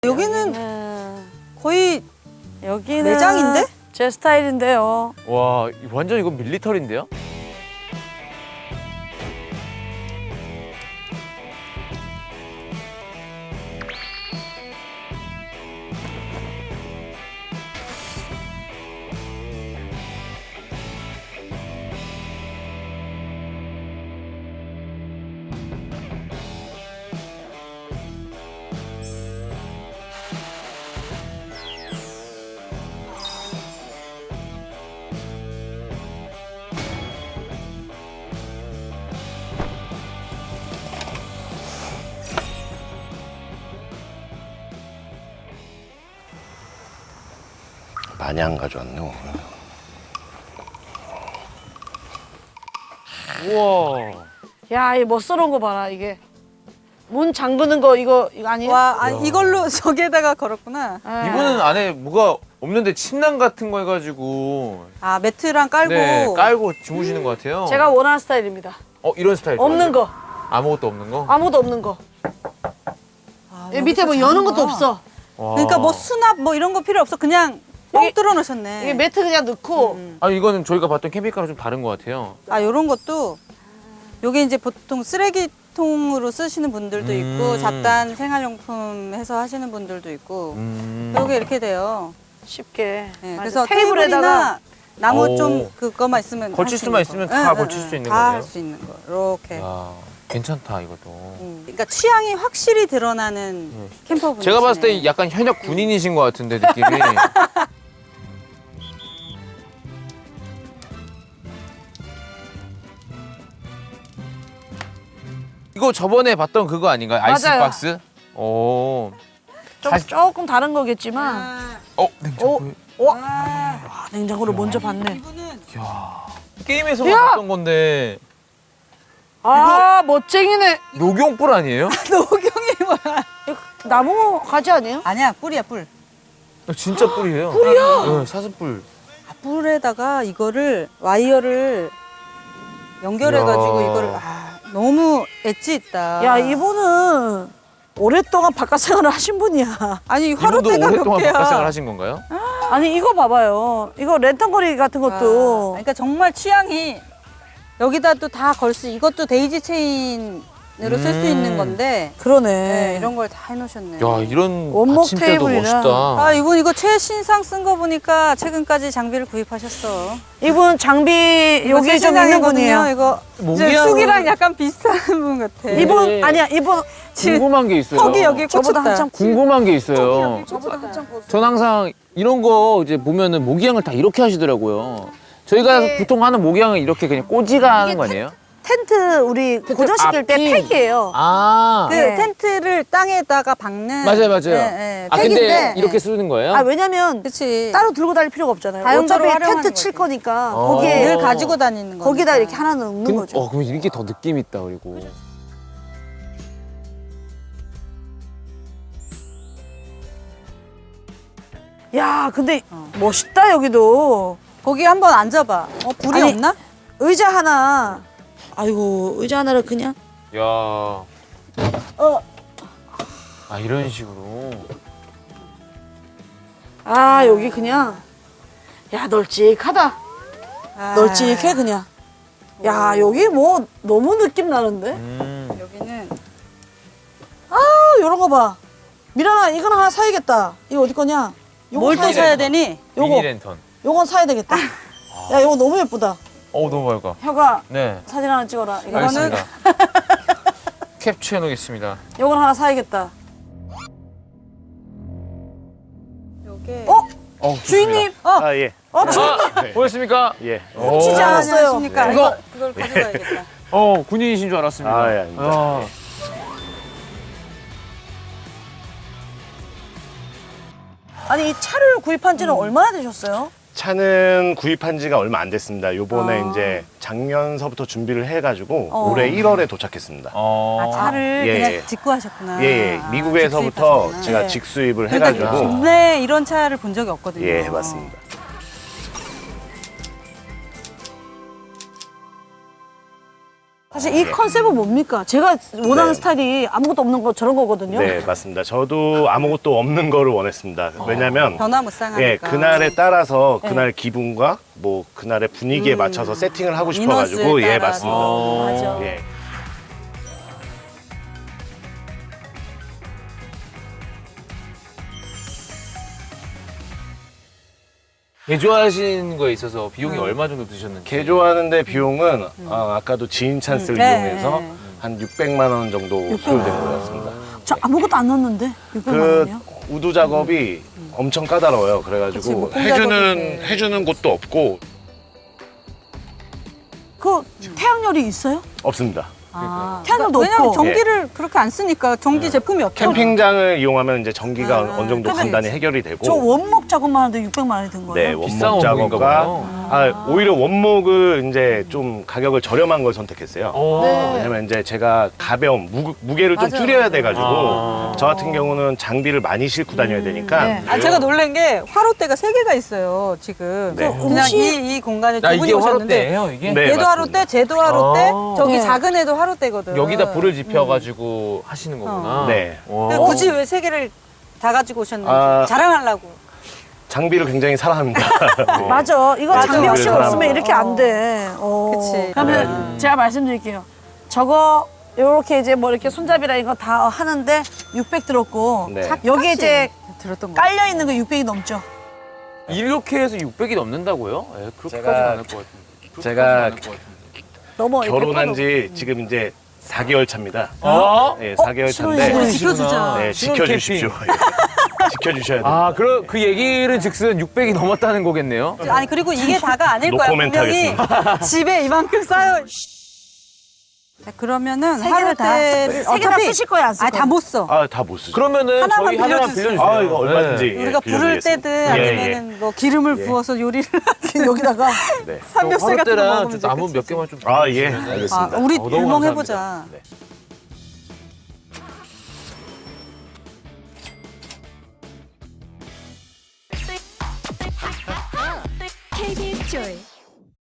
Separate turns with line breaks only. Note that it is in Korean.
여기는 거의
여기는
매장인데?
제 스타일인데요.
와, 완전 이거 밀리터리인데요?
많이 안 가져왔네.
우와.
야, 이 멋스러운 거 봐라, 이게. 문 잠그는 거 이거 아니에요?
와, 아니, 이걸로 저기에다가 걸었구나.
네.
이분은 안에 뭐가 없는데 침낭 같은 거 해가지고
아, 매트랑 깔고.
네, 깔고 주무시는 것 같아요.
제가 원하는 스타일입니다.
이런 스타일
없는 거.
아무것도 없는 거?
아무도 없는 거.
아,
여기 밑에 뭐
여기서
여는 것도
자는구나.
없어.
와.
그러니까 뭐 수납 뭐 이런 거 필요 없어. 그냥 뻥
이게-
뚫어 놓으셨네.
이게 매트 그냥 넣고
아니 이거는 저희가 봤던 캠핑카랑 좀 다른 것 같아요.
아, 요런 것도 요게 이제 보통 쓰레기통으로 쓰시는 분들도 있고 잡단 생활용품 해서 하시는 분들도 있고 요게 이렇게 돼요.
쉽게.
네,
맞아.
그래서
테이블에다가
테이블이나 나무
오.
좀 그거만 있으면
걸칠
할수
수만
있는
있으면
거.
다
응,
걸칠
응,
수 있는
다
거네요?
할 수 있는 거. 이렇게.
야, 괜찮다 이것도.
그러니까 취향이 확실히 드러나는 캠퍼분.
제가 봤을 때 약간 현역 군인이신 것 같은데 느낌이. 이거 저번에 봤던 그거 아닌가요? 아이스박스? 오.
조금 다른 거겠지만
냉장고.
아, 냉장고를 먼저 봤네.
이분은
게임에서
야!
봤던 건데
아, 멋쟁이네.
녹용불 아니에요?
노경이 뭐야?
이거 나무 가지 아니에요?
아니야, 뿔이야, 뿔.
진짜 뿔이에요. 뿔이야? 네, 사슴뿔.
아, 뿔에다가 이거를 와이어를 연결해가지고
이야.
이거를 너무 엣지 있다.
야, 이분은 오랫동안 바깥 생활을 하신 분이야.
아니
이분도
하루때가 몇
오랫동안
개야.
바깥생활 하신 건가요?
아니, 이거 봐봐요. 이거 랜턴거리 같은 것도.
그러니까 정말 취향이 여기다 또 다 걸 수. 이것도 데이지 체인으로 쓸 수 있는 건데.
그러네.
네, 이런 걸 다 해놓으셨네.
야, 이런
원목
받침대도
테이블이랑.
멋있다.
아, 이분 이거 최신상 쓴 거 보니까 최근까지 장비를 구입하셨어.
이분 장비
이거
여기 좀 있는 분이에요.
이거 이제
모기향은-
쑥이랑 약간 비슷한 분 같아.
이분
네.
아니야, 이분
궁금한 게 있어요.
턱이 여기
저보다
꽂혔다.
한참
궁금한 게 있어요.
저보다 한참
전 항상 이런 거 이제 보면은 모기향을 다 이렇게 하시더라고요. 저희가
이게-
보통 하는 모기향은 이렇게 그냥 꼬지가 하는 거 아니에요?
텐트 우리 고정시킬 때
앞이-
팩이에요.
아,
그
네.
텐트를 땅에다가 박는.
맞아요, 맞아요.
네,
아,
팩인데.
근데 이렇게 쓰는 거예요?
아, 왜냐면
그렇지.
따로 들고 다닐 필요가 없잖아요.
다용도로
어차피
활용하는
텐트 칠
거지.
거니까
어.
거기에
늘 가지고 다니는 거.
거기다 이렇게 하나 넣는 거죠.
그럼 이게 더 느낌 있다 그리고.
야, 근데 멋있다 여기도.
거기 한번 앉아봐. 불이
아니,
없나?
의자 하나. 아이고, 의자 하나를 그냥.
야. 아, 이런 식으로.
아, 여기 그냥. 야, 널찍하다.
아,
널찍해 그냥. 야, 여기 뭐 너무 느낌 나는데?
여기는
아, 요런 거 봐. 미란아, 이건 하나 사야겠다. 이거 어디 거냐? 요거
뭘 또
사야
사야
돼.
되니?
요거.
미니 랜턴.
요건 사야 되겠다. 야, 요거 너무 예쁘다.
너무 밝아.
혀가
네.
사진 하나 찍어라. 이거
알겠습니다. 캡처해 놓겠습니다.
요건 하나 사야겠다.
요게
주인님,
아, 예.
주인님.
보였습니까?
예.
훔치지
오.
않았어요.
안녕하십니까?
이거-
그걸 가져가야겠다.
군인이신 줄 알았습니다.
아, 예, 아닙니다.
아.
아니, 이 차를 구입한 지는 얼마나 되셨어요?
차는 구입한 지가 얼마 안 됐습니다. 요번에 이제 작년서부터 준비를 해가지고 올해 1월에 도착했습니다.
아, 차를
예,
그냥
예.
직구하셨구나.
예, 예.
아,
미국에서부터
직수입하셨구나.
제가
네.
직수입을
그러니까
해가지고.
국내에 이런 차를 본 적이 없거든요.
예, 맞습니다.
사실 사실 이 컨셉은 뭡니까? 제가 원하는
네.
스타일이 아무것도 없는 거 저런 거거든요.
네, 맞습니다. 저도 아무것도 없는 거를 원했습니다. 왜냐면
변화무쌍하니까.
예, 그날에 따라서 그날 기분과 뭐 그날의 분위기에 맞춰서 세팅을 하고 싶어가지고
인원수에
예,
따라서.
맞습니다.
맞아.
예.
개조하신 거에 있어서 비용이 얼마 정도 드셨는지.
개조하는데 비용은 아까도 지인 찬스를 이용해서
네.
한 600만 원 정도 소요된 것 같습니다.
저 아무것도 안 넣었는데 600만
그
원이요?
우두 작업이 엄청 까다로워요.
그치,
그래가지고
목공
해주는 곳도 없고
그 태양열이 있어요?
없습니다.
아,
태양열도
왜냐면
없고.
전기를 그렇게 안 쓰니까 전기 제품이 없죠.
캠핑장을 이용하면 이제 전기가 어느 정도
근데
간단히 해결이 되고
저 원목 작업만 하는데 600만 원이 든 거예요?
네,
비싼
원목
원목인가
작업과
봐요.
오히려 원목을 이제 좀 가격을 저렴한 걸 선택했어요.
네.
왜냐면 이제 제가 가벼운 무게를 좀
맞아요.
줄여야 돼가지고
아.
저 같은 경우는 장비를 많이 싣고 다녀야 되니까
네.
아, 제가 놀란 게 화로대가 3개가 있어요, 지금.
네.
그냥 이 공간에 두
아,
분이
이게
오셨는데.
화로대예요, 이게?
네.
얘도
맞습니다.
화로대, 쟤도 화로대,
아.
저기
네.
작은 애도 화로대거든.
여기다 불을 지펴가지고 하시는 거구나.
네.
와.
근데 굳이 왜 3개를 다 가지고 오셨는지
아.
자랑하려고.
장비를 굉장히 사랑합니다. 네.
맞아. 이거
맞아.
장비 없이
사람.
없으면 이렇게 안 돼.
그치.
그러면 제가 말씀드릴게요. 저거 요렇게 이제 뭐 이렇게 손잡이랑 이거 다 하는데 600 들었고
네.
여기 이제
들었던 거.
깔려 있는 거 600이 넘죠.
이렇게 해서 600이 넘는다고요? 예, 그렇게까지는
제가-
않을 것 같은데.
제가
넘어.
결혼한 지 지금 이제 4개월 차입니다.
아?
네, 4개월 차인데
신혼이시구나.
지켜주자.
네,
신혼
지켜주십시오. 지켜주셔야 돼요.
아, 그 얘기는 즉슨 600이 넘었다는 거겠네요.
아니 그리고 이게 다가 아닐 거야.
노코멘트
분명히 집에 이만큼 쌓여. 자, 그러면은
세 개를 다
화로대를
세 개 다 쓰실 거예요, 안 쓸
아니
거예요?
다 못 써.
아, 다 못 쓰죠.
그러면은
하나만
저희 하나만
빌려주세요.
빌려주세요.
아, 이거 얼마든지.
네.
예,
우리가 불을
빌려드리겠습니다.
떼든
예,
아니면은 뭐 기름을
예.
부어서 요리를
여기다가
네.
삼겹살 같은 거
화롯대랑
먹으면
좀 나무
되겠지.
몇 개만 좀.
아, 예.
주시면은.
아,
알겠습니다.
우리
너무
불멍
감사합니다.
해보자.
네.
KBS 조이